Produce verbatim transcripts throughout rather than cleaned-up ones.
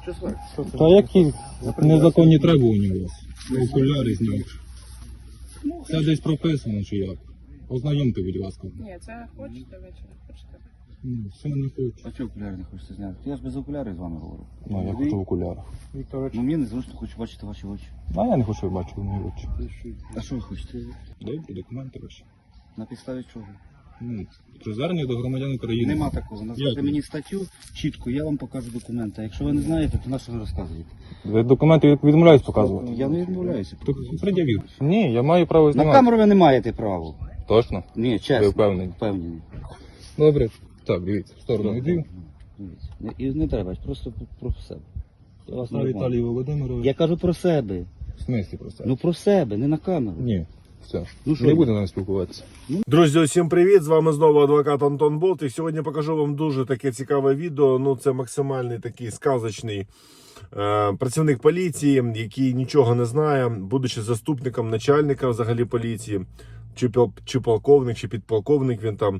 Та які незаконні требування у вас? Окуляри зняв. Це десь прописано чи як? Ознайомте, будь ласка. Ні, це хочете вечором, хочете. Ну, все не хочу. А чого окуляри не хочете зняти? Я ж без окулярів з вами говорю. Ну, я хочу в окулярах. Ну мені незручно, хочу бачити ваші очі. А я не хочу бачити мої очі. А що ви хочете? Добре, документи ваші. На підставі чого? Ну, про звернення до громадян України. Нема такого. Назвати Як? мені статтю чітко, я вам покажу документи. А якщо ви не знаєте, то на що ви розказуєте? Ви документи відмовляюсь показувати. Я не відмовляюся. То пред'явіть. Ні, я маю право На знімати. камеру ви не маєте права. Точно? Ні, чесно. Ви впевнені? Впевнені. Добре. Так, дивіться, в сторону йду. Дивіться. Не- І не треба, просто про себе. Я вас не обманю. Віталій Володимирович. Я кажу про себе. В смислі про це? Ну про себе, не на камеру. Ні, все. Ну, що не ви? буде нам спілкуватися. Друзі, усім привіт! З вами знову адвокат Антон Болт. І сьогодні покажу вам дуже таке цікаве відео. Ну, це максимальний такий сказочний е, працівник поліції, який нічого не знає, будучи заступником начальника взагалі поліції, чи, пол- чи полковник, чи підполковник він там.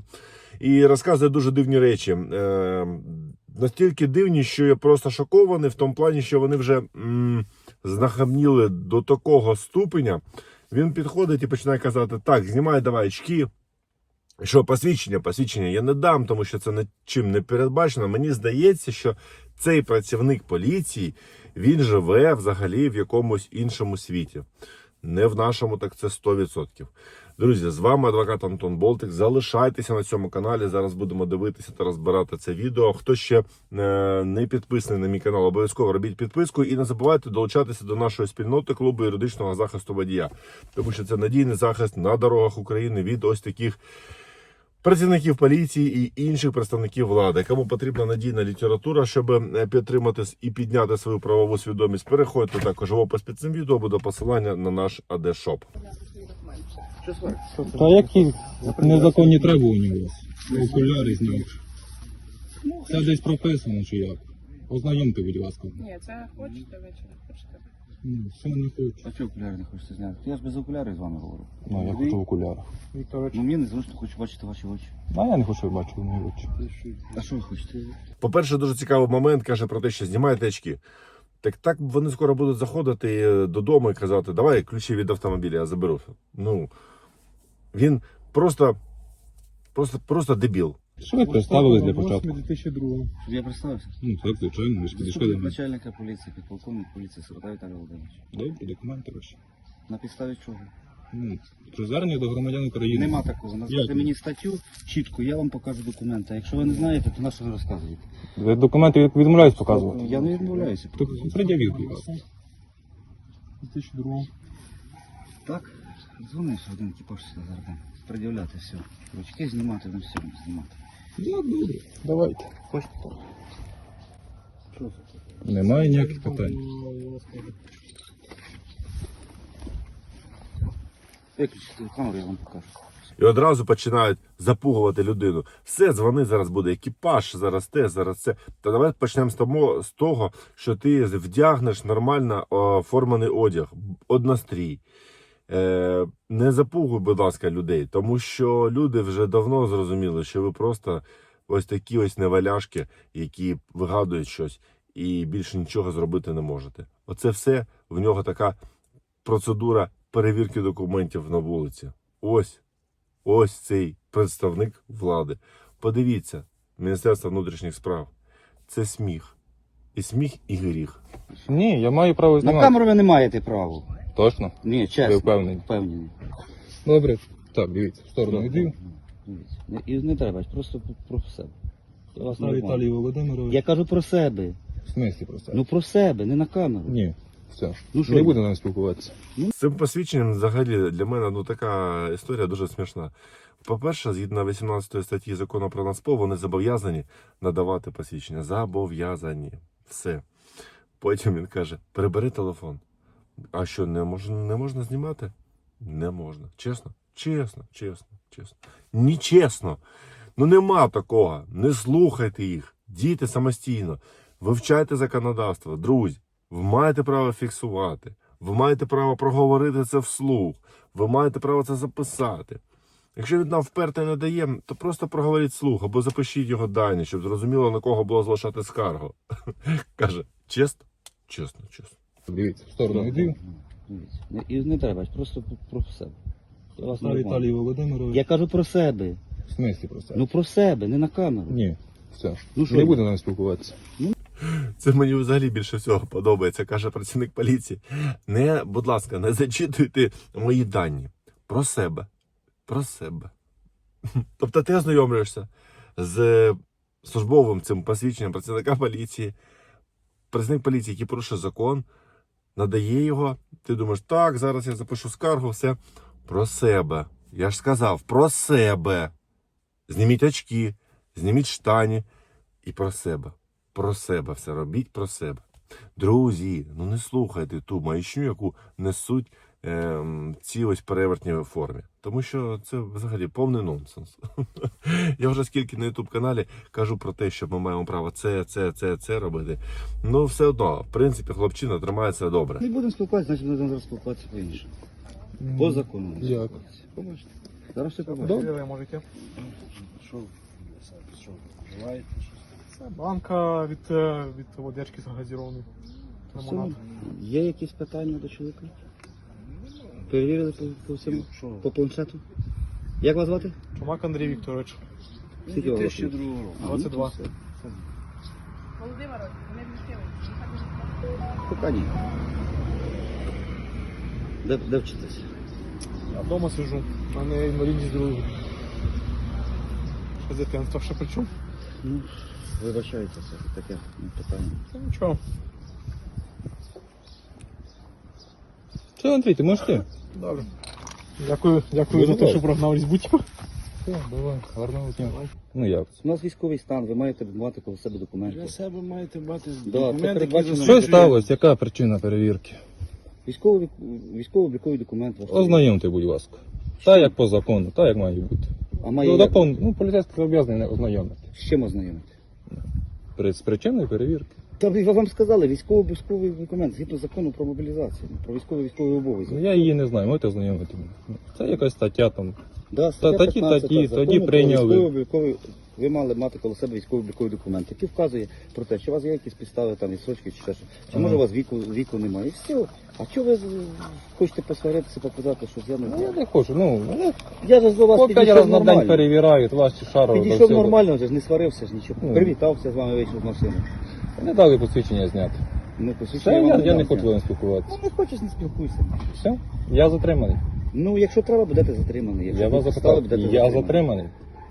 І розказує дуже дивні речі. Е, настільки дивні, що я просто шокований в тому плані, що вони вже м, знахабніли до такого ступеня. Він підходить і починає казати: так, знімай давай очки. Що, посвідчення, посвідчення я не дам, тому що це нічим не передбачено. Мені здається, що цей працівник поліції, він живе взагалі в якомусь іншому світі. Не в нашому, так це сто відсотків. Друзі, з вами адвокат Антон Болтик. Залишайтеся на цьому каналі. Зараз будемо дивитися та розбирати це відео. Хто ще е, не підписаний на мій канал, обов'язково робіть підписку. І не забувайте долучатися до нашої спільноти клубу юридичного захисту водія. Тому що це надійний захист на дорогах України від ось таких працівників поліції і інших представників влади. Кому потрібна надійна література, щоб підтримати і підняти свою правову свідомість, переходьте також в опис під цим відео, буде посилання на наш АД-шоп. Та які незаконні требування у вас? Окуляри зняв. Це десь прописано чи як? Ознайомте, будь ласка. Ні, це хочете вечором, хочете. Ну, все не хочу. А чого окуляри не хочете зняти? Я ж без окулярів з вами говорю. Ну, я хочу в окулярах. Ну мені незручно, хочу бачити ваші очі. А я не хочу бачити мої очі. А що ви хочете? По-перше, дуже цікавий момент, каже про те, що знімайте очки. Так так вони скоро будуть заходити додому і казати: давай ключі від автомобіля, я заберу. Ну, він просто, просто, просто дебіл. Що ви представились для початку? Щоб я представився? Ну, так, звичайно, ви ж підійшли до Заступник мене. начальника поліції, підполковник поліції Сирота Віталій Володимирович. Добре, документи ваші. На підставі чого? Ну, про звернення до громадян України. Нема такого. Назвати Як? мені статтю чітко, я вам покажу документи. А якщо ви не знаєте, то на що ви розказуєте? Ви документи відмовляюсь показувати. Я не відмовляюся. То пред'явіть, будь ласка. Так, дзвониш один екіпаж сюди зараз. там Пред'являти все. Ручки знімати, ну все знімати. Так, добре. Давайте. Хочете? Що це? Немає ніяких питань. Виключите камеру, я вам покажу. І одразу починають запугувати людину. Все, дзвони, зараз буде екіпаж, зараз те, зараз це. Та давай почнемо з того, з того, що ти вдягнеш нормально оформлений одяг, однострій. Е, не запугуй, будь ласка, людей, тому що люди вже давно зрозуміли, що ви просто ось такі ось неваляшки, які вигадують щось і більше нічого зробити не можете. Оце все, в нього така процедура перевірки документів на вулиці. Ось, ось цей представник влади. Подивіться, Міністерство внутрішніх справ. Це сміх. І сміх, і гріх. Ні, я маю право На знімати. камеру ви не маєте права. Точно? Ні, чесно. Ви впевнені? Впевнені. Добре. Так, дивіться, в сторону йду. Дивіться. Не- І не треба, просто про себе. Я вас не Віталій обманю. Володимирович. Я кажу про себе. В смислі про це? Ну про себе, не на камеру. Ні, все. Ну, що не ви? буде нам спілкуватися. З цим посвідченням взагалі для мене ну, така історія дуже смішна. По-перше, згідно вісімнадцятої статті закону про Нацпо, вони зобов'язані надавати посвідчення. Зобов'язані. Все. Потім він каже: прибери телефон. А що, не можна, не можна знімати? Не можна. Чесно? Чесно, чесно, чесно. Ні чесно. Ну нема такого. Не слухайте їх. Дійте самостійно. Вивчайте законодавство. Друзі, ви маєте право фіксувати. Ви маєте право проговорити це вслух. Ви маєте право це записати. Якщо він нам вперто не дає, то просто проговоріть вслух або запишіть його дані, щоб зрозуміло, на кого було залишати скаргу. Каже, Чесно? Чесно, чесно. Дивіться, в сторону йди. Дивіться. Не- І не треба, просто про себе. Я вас не Віталій обманюю. Володимирович. Я кажу про себе. В смислі про це? Ну про себе, не на камеру. Ні, все. Ну, що Не ні? буде нам спілкуватися. Це мені взагалі більше всього подобається, каже працівник поліції. Не, будь ласка, не зачитуйте мої дані. Про себе. Про себе. Тобто ти ознайомлюєшся з службовим цим посвідченням працівника поліції. Працівник поліції, який порушує закон, надає його. Ти думаєш, так, зараз я запишу скаргу, все. Про себе. Я ж сказав, про себе. Зніміть очки, зніміть штані. І про себе. Про себе все робіть, про себе. Друзі, ну не слухайте ту маячню, яку несуть е, ці ось перевертні в формі. Тому що це взагалі повний нонсенс. Я вже скільки на ютуб-каналі кажу про те, що ми маємо право це, це, це, це робити. Ну все одно, в принципі, хлопчина тримається добре. Не будемо спілкуватися, значить будемо зараз спілкуватися по-іншому. По закону. будемо Як? спілкуватися. Побачите. Зараз все побачите. Добре. Ви можете. Що, що, желаєте щось? Це банка від, е, від водички загазірованої. Все. Лимонад. Є якісь питання до чоловіка? Перевірили по, по всьому? Що? По планшету? Як вас звати? Чумак Андрій Вікторович. Скільки вам дві тисячі років? другого року. А, двадцять два. ну, то все. Володимирович, не вмістили. Поки ні. Де, де вчитися? Я вдома сиджу, а не інвалідність другої. Ще з дитинства ще причому. Ну, вибачайте, це таке ну, питання. Та нічого. Все, Андрій, ти можеш ти? Добре. Дякую, дякую Дуже за те, що добре. прогнав Різбутько. Все, давай, гарного дня. Ну як? У нас військовий стан, ви маєте мати коло себе документи. Для себе маєте мати це документи, які передбачено. Що засвідчують- сталося? Яка причина перевірки? Військовий, військово-обліковий документ. ваш. Ознайомте, будь ласка. Та як по закону, та як має бути. А має Ну, як? закон, ну, поліцейський зобов'язаний не ознайомити. З чим ознайомити? При- З причиною перевірки. Та ви вам сказали, військово-обліковий документ, згідно закону про мобілізацію, про військово-військовий обов'язок. Ну, я її не знаю, можете ознайомити мене. Це якась стаття там. Да, Та- такі- п'ятнадцята такі, закону тоді про прийняли. військово-обліковий- Ви мали мати коло себе військово-обліковий документ, який вказує про те, що у вас є якісь підстави, там, відсрочки чи ще що. Чи Ага. може у вас віку, віку немає. І все. А чого ви з- хочете посваритися, показати, що я не Ну, я знаю? не хочу, ну, ну, Я ж до вас по п'ять підійшов разів на день нормально. перевіряють, вас чи шаров. Підійшов нормально, вже ж не сварився ж нічого. Ну. Привітався з вами, вийшов з машини. Не дали посвідчення зняти. Ну, Все, посвідчення я, вам я не дам, хочу з ні. вами спілкуватися. Ну, не хочеш, не спілкуйся. Все, я затриманий. Ну, якщо треба, будете затриманий. Якщо Я вас будуть підстави, запитав, будете я затриманий.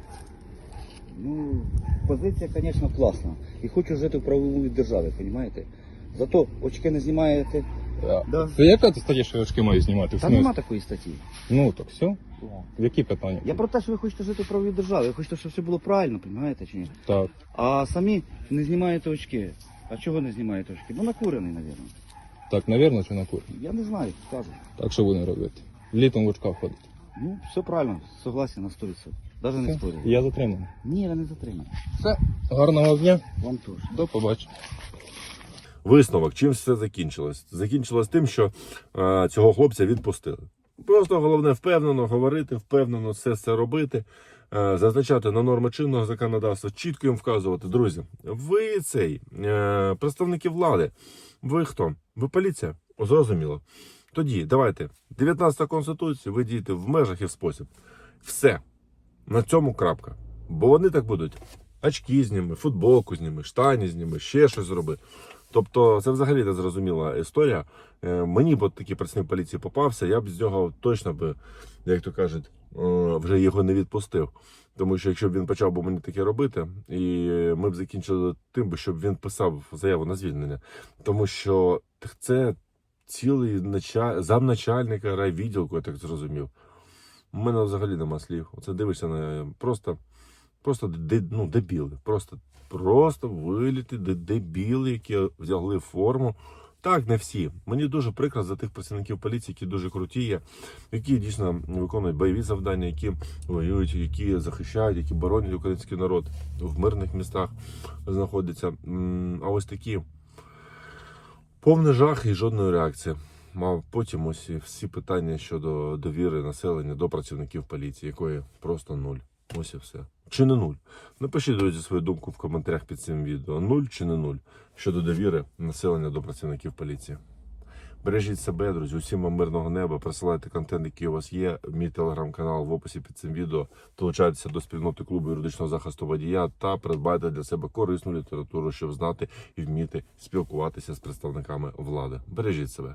Ну, позиція, звісно, класна. І хочу жити в правовій державі, розумієте? Зато очки не знімаєте. Да. Це яка ти стаття, що очки маю знімати? В Та смислі? нема такої статті. Ну, так все. Які питання? Я про те, що ви хочете жити в правовій державі. Ви хочете, щоб все було правильно, розумієте чи ні? Так. А самі не знімаєте очки. А чого не знімаєте очки? Бо накурений, мабуть. Так, навірно, чи на кур? Я не знаю, скажу. Так що будемо робити? Літом в очках ходить. Ну, все правильно, согласен на сто відсотків. Навіть не Все, спорю. я затриманий. Ні, ви не затримані. Все, гарного дня. Вам теж. До побачення. Висновок, чим все закінчилось? Закінчилось тим, що е, цього хлопця відпустили. Просто головне впевнено говорити, впевнено все це робити, е, зазначати на норми чинного законодавства, чітко їм вказувати. Друзі, ви цей, е, представники влади, ви хто? Ви поліція? О, зрозуміло. Тоді давайте, дев'ятнадцята Конституція, ви дієте в межах і в спосіб. Все. На цьому крапка. Бо вони так будуть. Очки зніми, футболку зніми, штані зніми, ще щось зроби. Тобто це взагалі незрозуміла історія. Е, Мені б от такий працівник поліції попався, я б з нього точно би, як то кажуть, е, вже його не відпустив. Тому що якщо б він почав би мені таке робити, і ми б закінчили тим, би, щоб він писав заяву на звільнення. Тому що це цілий началь... замначальника райвідділку, я так зрозумів. У мене взагалі нема слів. Оце дивишся на просто, просто де, ну, дебіли. Просто, просто виліти де- дебіли, які взяли форму. Так, не всі. Мені дуже прикро за тих працівників поліції, які дуже круті є, які дійсно виконують бойові завдання, які воюють, які захищають, які боронять український народ в мирних містах знаходяться. М, А ось такі повний жах і жодної реакції. А потім ось і всі питання щодо довіри населення до працівників поліції, якої просто нуль. Ось і все. чи не нуль? Напишіть, друзі, свою думку в коментарях під цим відео. Нуль чи не нуль щодо довіри населення до працівників поліції. Бережіть себе, друзі, усім вам мирного неба, присилайте контент, який у вас є, мій телеграм-канал в описі під цим відео, долучайтеся до спільноти клубу юридичного захисту водія та придбайте для себе корисну літературу, щоб знати і вміти спілкуватися з представниками влади. Бережіть себе.